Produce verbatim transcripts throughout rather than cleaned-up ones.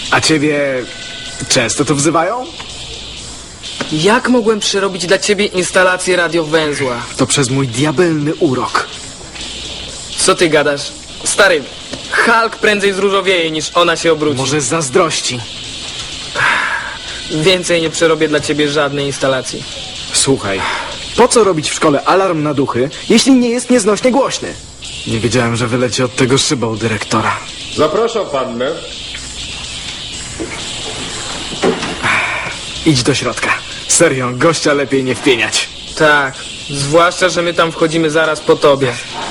A ciebie często tu wzywają? Jak mogłem przerobić dla ciebie instalację radiowęzła? To przez mój diabelny urok. Co ty gadasz? Stary, Hulk prędzej zróżowieje niż ona się obróci. Może z zazdrości. Więcej nie przerobię dla ciebie żadnej instalacji. Słuchaj, po co robić w szkole alarm na duchy, jeśli nie jest nieznośnie głośny? Nie wiedziałem, że wyleci od tego szyba u dyrektora. Zapraszam pannę. Idź do środka. Serio, gościa lepiej nie wpieniać. Tak, zwłaszcza, że my tam wchodzimy zaraz po tobie.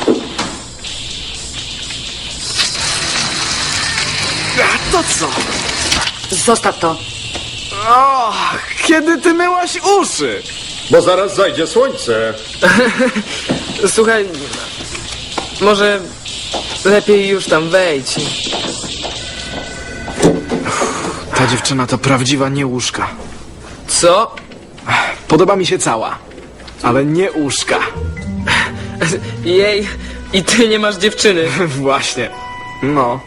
A to co? Zostaw to. O, kiedy ty myłaś uszy? Bo zaraz zajdzie słońce. Słuchaj, może lepiej już tam wejdź. Ta dziewczyna to prawdziwa nieuszka. Co? Podoba mi się cała, ale nie uszka. Jej, i ty nie masz dziewczyny. Właśnie. No.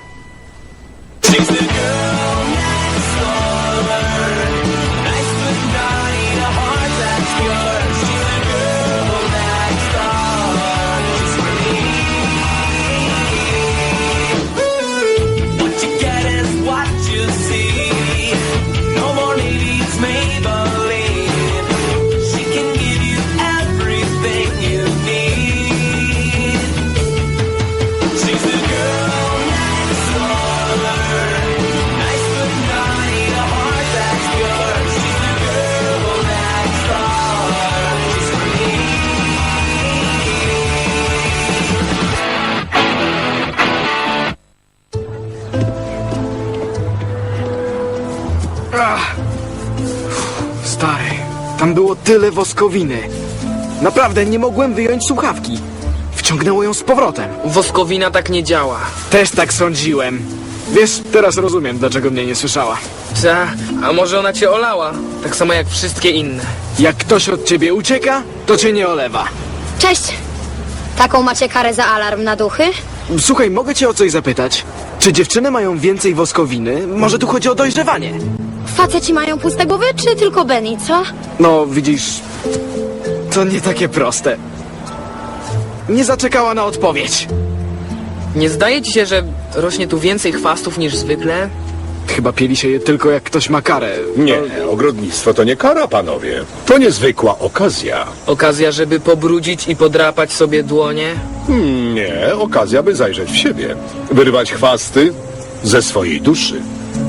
Stary, tam było tyle woskowiny. Naprawdę nie mogłem wyjąć słuchawki. Wciągnęło ją z powrotem. Woskowina tak nie działa. Też tak sądziłem. Wiesz, teraz rozumiem, dlaczego mnie nie słyszała. Ta, a może ona cię olała? Tak samo jak wszystkie inne. Jak ktoś od ciebie ucieka, to cię nie olewa. Cześć. Taką macie karę za alarm na duchy? Słuchaj, mogę cię o coś zapytać? Czy dziewczyny mają więcej woskowiny? Może tu chodzi o dojrzewanie? Faceci mają puste głowy, czy tylko Benny, co? No, widzisz, to nie takie proste. Nie zaczekała na odpowiedź. Nie zdaje ci się, że rośnie tu więcej chwastów niż zwykle? Chyba pieli się je tylko jak ktoś ma karę. Nie, ogrodnictwo to nie kara, panowie. To niezwykła okazja. Okazja, żeby pobrudzić i podrapać sobie dłonie? Hmm, nie, okazja, by zajrzeć w siebie. Wyrwać chwasty ze swojej duszy.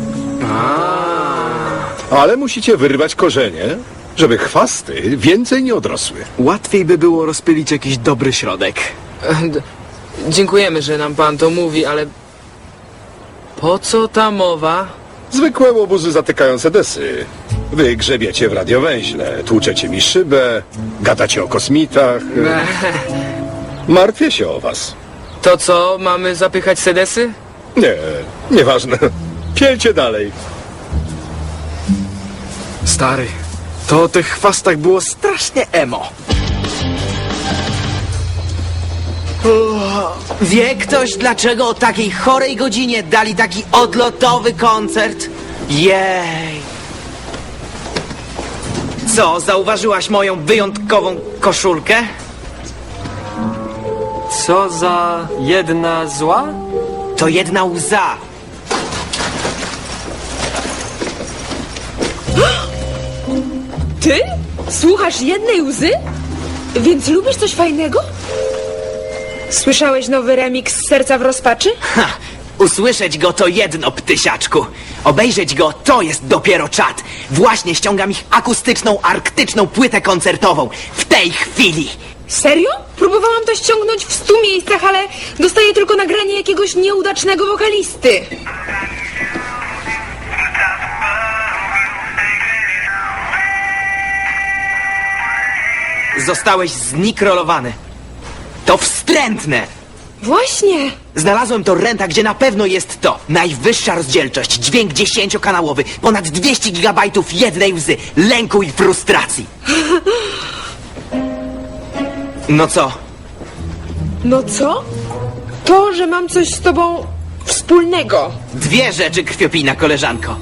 Ale musicie wyrwać korzenie, żeby chwasty więcej nie odrosły. Łatwiej by było rozpylić jakiś dobry środek. D- Dziękujemy, że nam pan to mówi, ale... Po co ta mowa? Zwykłe łobuzy zatykające desy. Wy grzebiecie w radiowęźle, tłuczecie mi szybę, gadacie o kosmitach. Martwię się o was. To co, mamy zapychać sedesy? Nie, nieważne. Pielcie dalej. Stary, to o tych chwastach było strasznie emo. Wie ktoś, dlaczego o takiej chorej godzinie dali taki odlotowy koncert? Jej! Co, zauważyłaś moją wyjątkową koszulkę? Co za jedna zła? To jedna łza. Ty? Słuchasz jednej łzy? Więc lubisz coś fajnego? Słyszałeś nowy remix Serca w rozpaczy? Ha! Usłyszeć go to jedno, ptysiaczku. Obejrzeć go to jest dopiero czad. Właśnie ściągam ich akustyczną, arktyczną płytę koncertową. W tej chwili. Serio? Próbowałam to ściągnąć w stu miejscach, ale dostaję tylko nagranie jakiegoś nieudacznego wokalisty. Zostałeś znikrolowany. To wstrętne. Właśnie. Znalazłem torrenta, gdzie na pewno jest to. Najwyższa rozdzielczość, dźwięk dziesięciokanałowy, ponad dwieście gigabajtów jednej łzy, lęku i frustracji. No co? No co? To, że mam coś z tobą wspólnego. Dwie rzeczy, krwiopijna koleżanko.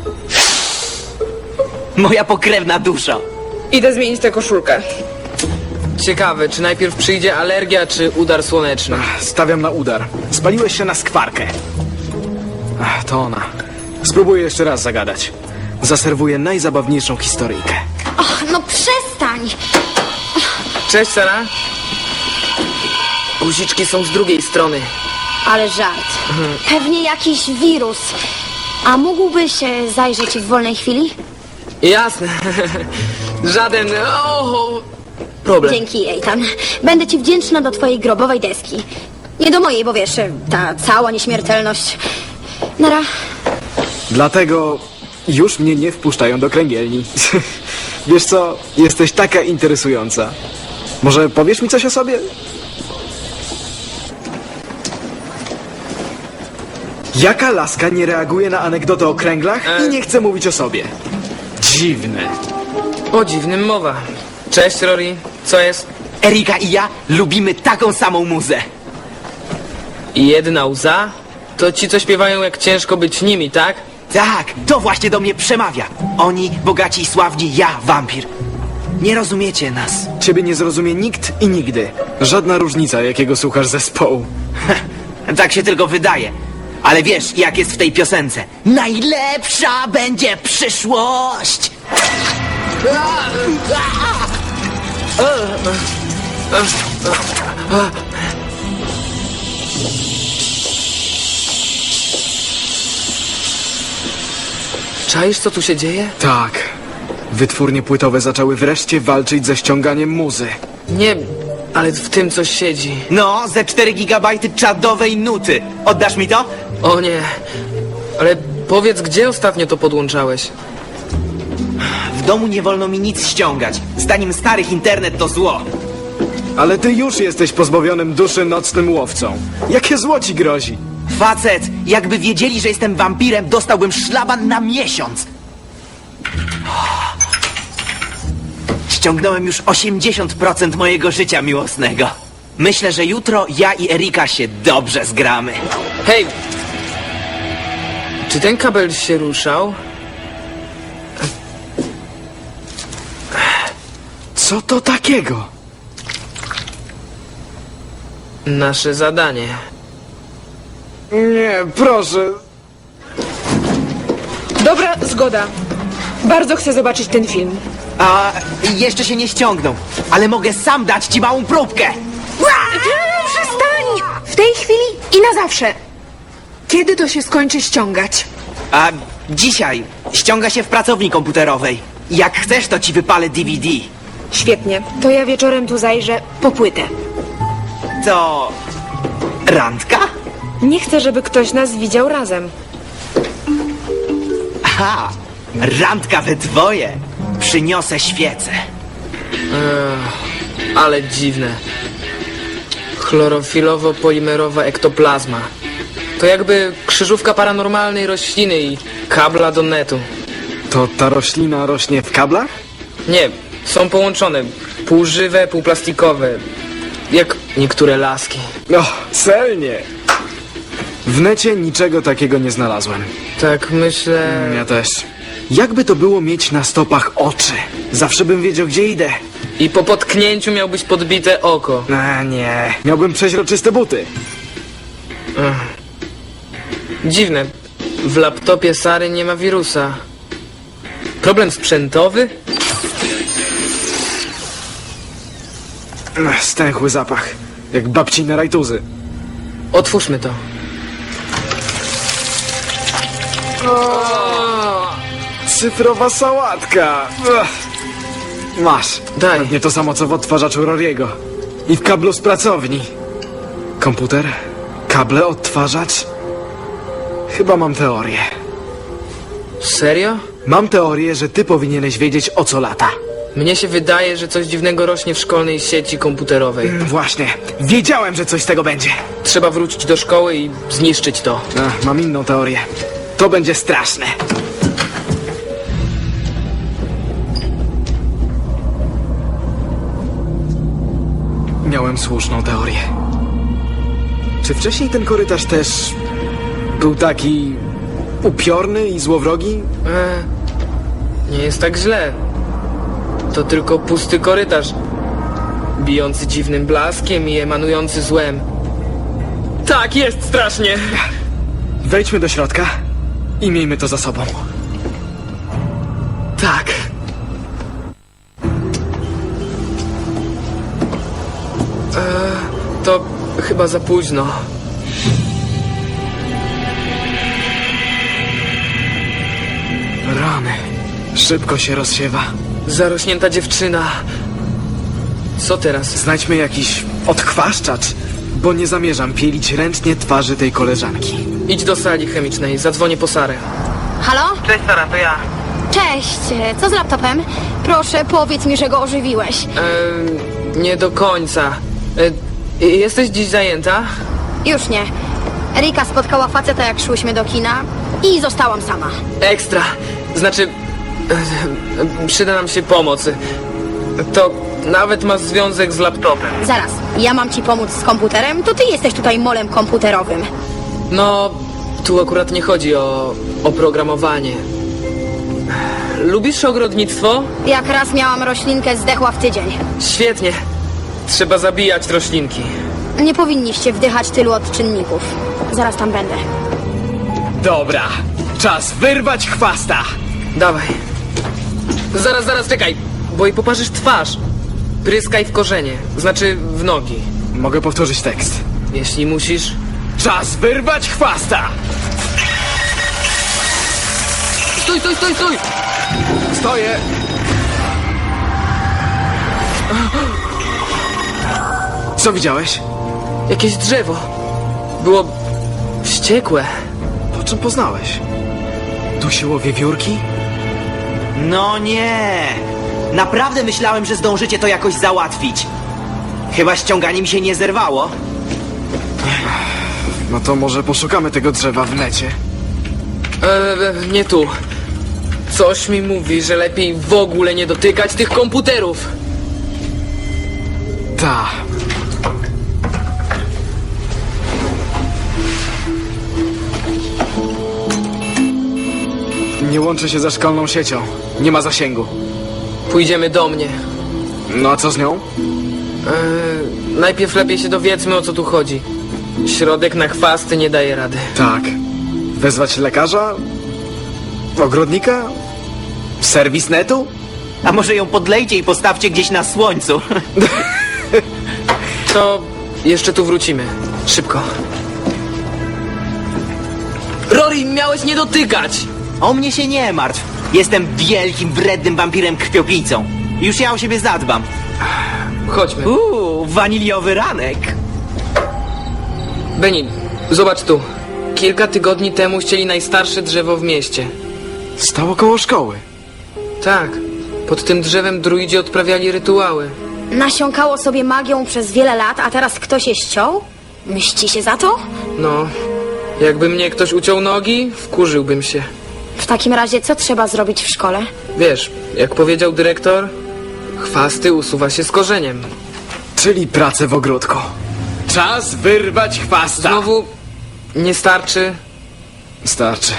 Moja pokrewna duszo. Idę zmienić tę koszulkę. Ciekawe, czy najpierw przyjdzie alergia, czy udar słoneczny. Stawiam na udar. Spaliłeś się na skwarkę. Ach, to ona. Spróbuję jeszcze raz zagadać. Zaserwuję najzabawniejszą historyjkę. Och, no przestań! Cześć, Sara. Guziczki są z drugiej strony. Ale żart. Pewnie jakiś wirus. A mógłbyś e, zajrzeć w wolnej chwili? Jasne. Żaden... O, problem. Dzięki, Ethan. Będę ci wdzięczna do twojej grobowej deski. Nie do mojej, bo wiesz, e, ta cała nieśmiertelność... Nara. Dlatego już mnie nie wpuszczają do kręgielni. Wiesz co, jesteś taka interesująca. Może powiesz mi coś o sobie? Jaka laska nie reaguje na anegdotę o kręglach E. i nie chce mówić o sobie? Dziwne. O dziwnym mowa. Cześć, Rory. Co jest? Erika i ja lubimy taką samą muzę. I jedna łza? To ci, co śpiewają, jak ciężko być nimi, tak? Tak, to właśnie do mnie przemawia. Oni, bogaci i sławni, ja, wampir. Nie rozumiecie nas. Ciebie nie zrozumie nikt i nigdy. Żadna różnica, jakiego słuchasz zespołu. Tak się tylko wydaje. Ale wiesz, jak jest w tej piosence. Najlepsza będzie przyszłość! Czaisz, co tu się dzieje? Tak. Wytwórnie płytowe zaczęły wreszcie walczyć ze ściąganiem muzy. Nie, ale w tym coś siedzi. No, ze cztery gigabajty czadowej nuty. Oddasz mi to? O nie. Ale powiedz, gdzie ostatnio to podłączałeś? W domu nie wolno mi nic ściągać. Zdaniem starych internet to zło. Ale ty już jesteś pozbawionym duszy nocnym łowcą. Jakie zło ci grozi? Facet, jakby wiedzieli, że jestem wampirem, dostałbym szlaban na miesiąc. Ściągnąłem już osiemdziesiąt procent mojego życia miłosnego. Myślę, że jutro ja i Erika się dobrze zgramy. Hej! Czy ten kabel się ruszał? Co to takiego? Nasze zadanie. Nie, proszę. Dobra, zgoda. Bardzo chcę zobaczyć ten film. A jeszcze się nie ściągnął, ale mogę sam dać ci małą próbkę. Przestań! W tej chwili i na zawsze. Kiedy to się skończy ściągać? A dzisiaj ściąga się w pracowni komputerowej. Jak chcesz, to ci wypalę D V D. Świetnie. To ja wieczorem tu zajrzę po płytę. To... randka? Nie chcę, żeby ktoś nas widział razem. Aha, randka we dwoje. Przyniosę świecę. Ale dziwne. Chlorofilowo-polimerowa ektoplazma. To jakby krzyżówka paranormalnej rośliny i kabla do netu. To ta roślina rośnie w kablach? Nie, są połączone. Półżywe, półplastikowe. Jak niektóre laski. No, celnie. W necie niczego takiego nie znalazłem. Tak myślę... Ja też. Jakby to było mieć na stopach oczy? Zawsze bym wiedział, gdzie idę. I po potknięciu miałbyś podbite oko. A nie, miałbym przeźroczyste buty. Dziwne. W laptopie Sary nie ma wirusa. Problem sprzętowy? Ech, stęchły zapach. Jak babcine rajtuzy. Otwórzmy to. Cyfrowa sałatka. Ech. Masz. Daj. Pewnie to samo, co w odtwarzaczu Rory'ego. I w kablu z pracowni. Komputer? Kable, odtwarzacz? Chyba mam teorię. Serio? Mam teorię, że ty powinieneś wiedzieć, o co lata. Mnie się wydaje, że coś dziwnego rośnie w szkolnej sieci komputerowej. Właśnie. Wiedziałem, że coś z tego będzie. Trzeba wrócić do szkoły i zniszczyć to. Ach, mam inną teorię. To będzie straszne. Miałem słuszną teorię. Czy wcześniej ten korytarz też Był taki upiorny i złowrogi? E, nie jest tak źle. To tylko pusty korytarz, bijący dziwnym blaskiem i emanujący złem. Tak, jest strasznie. Wejdźmy do środka i miejmy to za sobą. Tak. E, to chyba za późno. Rany. Szybko się rozsiewa. Zarośnięta dziewczyna. Co teraz? Znajdźmy jakiś odchwaszczacz, bo nie zamierzam pielić ręcznie twarzy tej koleżanki. Idź do sali chemicznej, zadzwonię po Sarę. Halo? Cześć Sara, to ja. Cześć, co z laptopem? Proszę, powiedz mi, że go ożywiłeś. E, nie do końca. E, jesteś dziś zajęta? Już nie. Rika spotkała faceta, jak szłyśmy do kina i zostałam sama. Ekstra. Znaczy, e, przyda nam się pomoc. To nawet ma związek z laptopem. Zaraz, ja mam ci pomóc z komputerem, to ty jesteś tutaj molem komputerowym. No, tu akurat nie chodzi o oprogramowanie. Lubisz ogrodnictwo? Jak raz miałam roślinkę, zdechła w tydzień. Świetnie. Trzeba zabijać roślinki. Nie powinniście wdychać tylu odczynników. Zaraz tam będę. Dobra, czas wyrwać chwasta. Dawaj. Zaraz, zaraz, czekaj, bo jej poparzysz twarz. Pryskaj w korzenie, znaczy w nogi. Mogę powtórzyć tekst. Jeśli musisz. Czas wyrwać chwasta! Stój, stój, stój, stój! Stoję! Co widziałeś? Jakieś drzewo. Było wściekłe. Po czym poznałeś? Dusiło wiewiórki? No nie! Naprawdę myślałem, że zdążycie to jakoś załatwić. Chyba ściąganie mi się nie zerwało. No to może poszukamy tego drzewa w necie. Eee, nie tu. Coś mi mówi, że lepiej w ogóle nie dotykać tych komputerów. Ta. Nie łączy się ze szkolną siecią. Nie ma zasięgu. Pójdziemy do mnie. No a co z nią? Eee, najpierw lepiej się dowiedzmy, o co tu chodzi. Środek na chwasty nie daje rady. Tak. Wezwać lekarza? Ogrodnika? Serwis netu? A może ją podlejcie i postawcie gdzieś na słońcu? To jeszcze tu wrócimy. Szybko. Rory, miałeś nie dotykać! O mnie się nie martw. Jestem wielkim, wrednym wampirem krwiopijcą. Już ja o siebie zadbam. Chodźmy. Uuu, waniliowy ranek. Benin, zobacz tu. Kilka tygodni temu ścieli najstarsze drzewo w mieście. Stało koło szkoły. Tak, pod tym drzewem druidzi odprawiali rytuały. Nasiąkało sobie magią przez wiele lat, a teraz ktoś je ściął? Mści się za to? No, jakby mnie ktoś uciął nogi, wkurzyłbym się. W takim razie co trzeba zrobić w szkole? Wiesz, jak powiedział dyrektor, chwasty usuwa się z korzeniem. Czyli pracę w ogródku. Czas wyrwać chwasta! Znowu nie starczy. Starczy.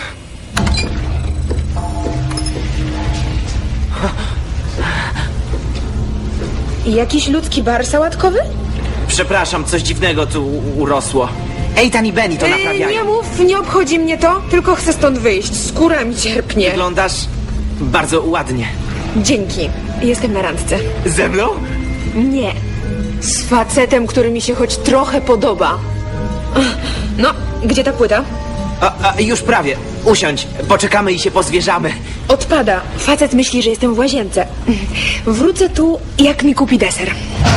Jakiś ludzki bar sałatkowy? Przepraszam, coś dziwnego tu u- urosło. Ethan i Benny to Ej, naprawiają. nie mów, nie obchodzi mnie to, tylko chcę stąd wyjść. Skóra mi cierpnie. Wyglądasz bardzo ładnie. Dzięki. Jestem na randce. Ze mną? Nie. Z facetem, który mi się choć trochę podoba. No, gdzie ta płyta? A, a, już prawie. Usiądź, poczekamy i się pozwierzamy. Odpada. Facet myśli, że jestem w łazience. Wrócę tu, jak mi kupi deser.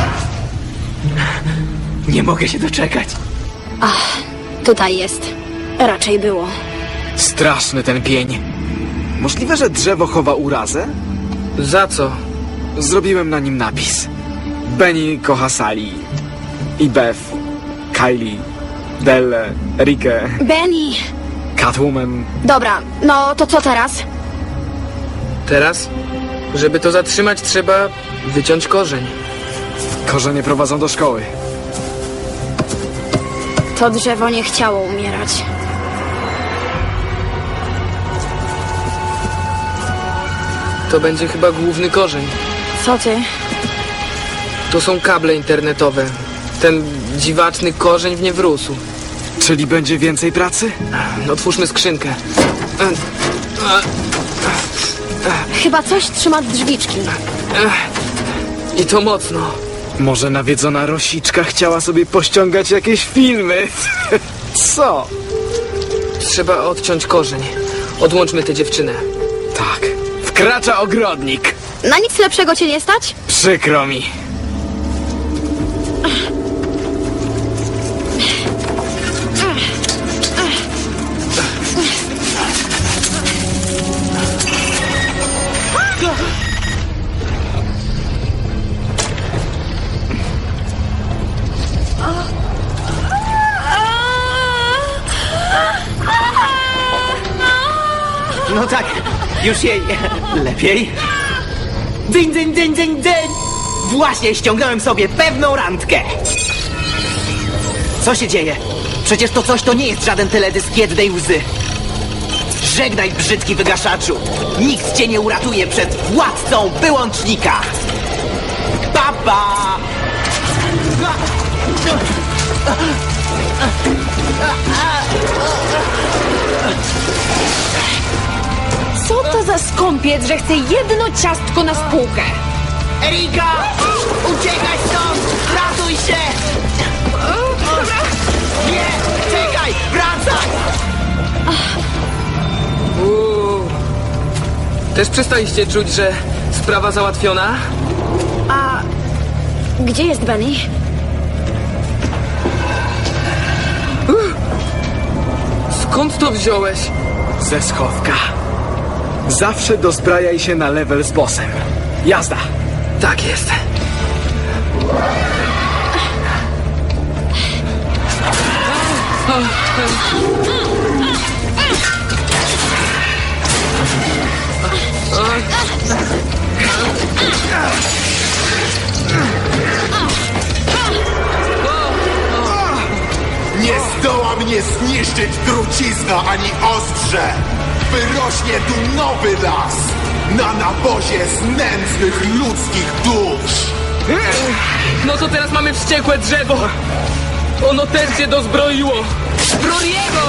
Nie mogę się doczekać. Tutaj jest. Raczej było. Straszny ten pień. Możliwe, że drzewo chowa urazę? Za co? Zrobiłem na nim napis. Benny kocha Sally. I Beth. Kylie. Delle. Rikę. Benny! Catwoman. Dobra, no to co teraz? Teraz? Żeby to zatrzymać, trzeba wyciąć korzeń. Korzenie prowadzą do szkoły. To drzewo nie chciało umierać. To będzie chyba główny korzeń. Co ty? To są kable internetowe. Ten dziwaczny korzeń w nie wrósł. Czyli będzie więcej pracy? No, otwórzmy skrzynkę. Chyba coś trzyma drzwiczki. I to mocno. Może nawiedzona Rosiczka chciała sobie pościągać jakieś filmy? Co? Trzeba odciąć korzeń. Odłączmy tę dziewczynę. Tak. Wkracza ogrodnik. Na nic lepszego cię nie stać? Przykro mi. No tak, już jej lepiej. Dyń, dyń, dyń, dyń, dyń! Właśnie ściągnąłem sobie pewną randkę. Co się dzieje? Przecież to coś to nie jest żaden teledysk jednej łzy. Żegnaj, brzydki wygaszaczu. Nikt cię nie uratuje przed władcą wyłącznika. Papa! Co to za skąpiec, że chce jedno ciastko na spółkę? Erika! Uciekaj stąd! Ratuj się! Nie! Czekaj! Wracaj! Uuu. Też przestaliście czuć, że sprawa załatwiona? Gdzie jest Benny? Skąd to wziąłeś? Ze schowka. Zawsze dozbrajaj się na level z bossem. Jazda. Tak jest. Nie zdoła mnie zniszczyć trucizna ani ostrze! Wyrośnie tu nowy las! Na nabozie z nędznych ludzkich dusz! No to teraz mamy wściekłe drzewo. Ono też się dozbroiło. Rory'ego!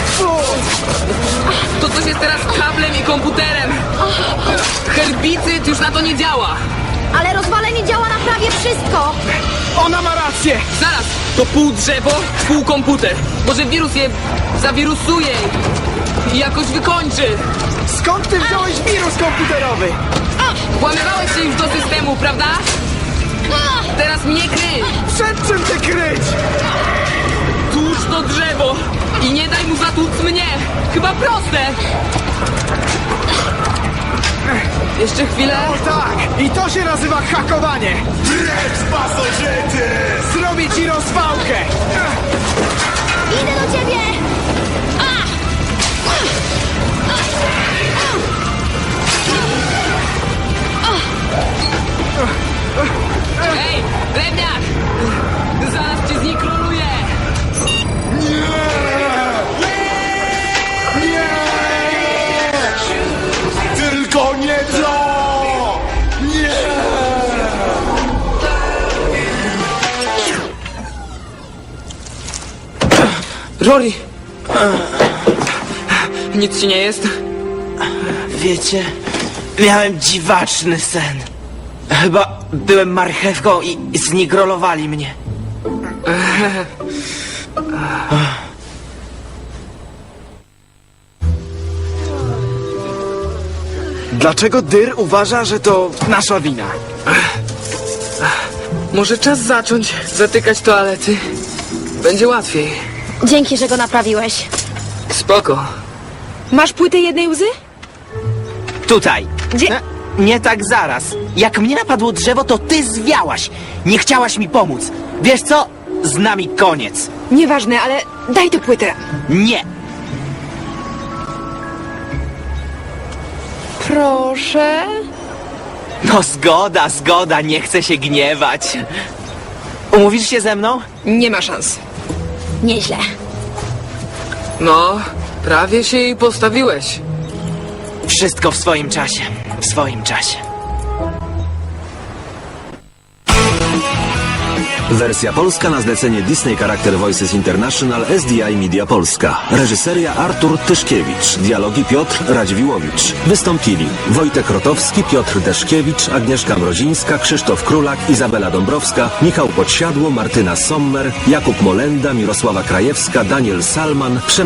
To coś jest teraz kablem i komputerem. Herbicyd już na to nie działa. Ale rozwalenie działa na prawie wszystko! Ona ma rację! Zaraz, to pół drzewo, pół komputer. Może wirus je zawirusuje i jakoś wykończy. Skąd ty wziąłeś wirus komputerowy? Włamywałeś się już do systemu, prawda? Teraz mnie kryj. Przed czym ty kryć? Tłucz to drzewo i nie daj mu zatłuc mnie. Chyba proste. Jeszcze chwilę. O tak! I to się nazywa hakowanie! Precz, pasożyty! Zrobię ci rozwałkę! Idę do ciebie! Ej, drewniak! Zaraz cię znikroluję! Tylko nie to! Nie! Rory! Nic ci nie jest? Wiecie, miałem dziwaczny sen. Chyba byłem marchewką i znigrolowali mnie. Dlaczego Dyr uważa, że to nasza wina? Może czas zacząć zatykać toalety? Będzie łatwiej. Dzięki, że go naprawiłeś. Spoko. Masz płytę jednej łzy? Tutaj. Gdzie? E, Nie tak zaraz. Jak mnie napadło drzewo, to ty zwiałaś. Nie chciałaś mi pomóc. Wiesz co? Z nami koniec. Nieważne, ale daj tę płytę. Nie. Proszę. No zgoda, zgoda, nie chcę się gniewać. Umówisz się ze mną? Nie ma szans. Nieźle. No, prawie się jej postawiłeś. Wszystko w swoim czasie. W swoim czasie. Wersja polska na zlecenie Disney Character Voices International S D I Media Polska. Reżyseria Artur Tyszkiewicz. Dialogi Piotr Radziwiłowicz. Wystąpili Wojtek Rotowski, Piotr Deszkiewicz, Agnieszka Mrozińska, Krzysztof Królak, Izabela Dąbrowska, Michał Podsiadło, Martyna Sommer, Jakub Molenda, Mirosława Krajewska, Daniel Salman, Przem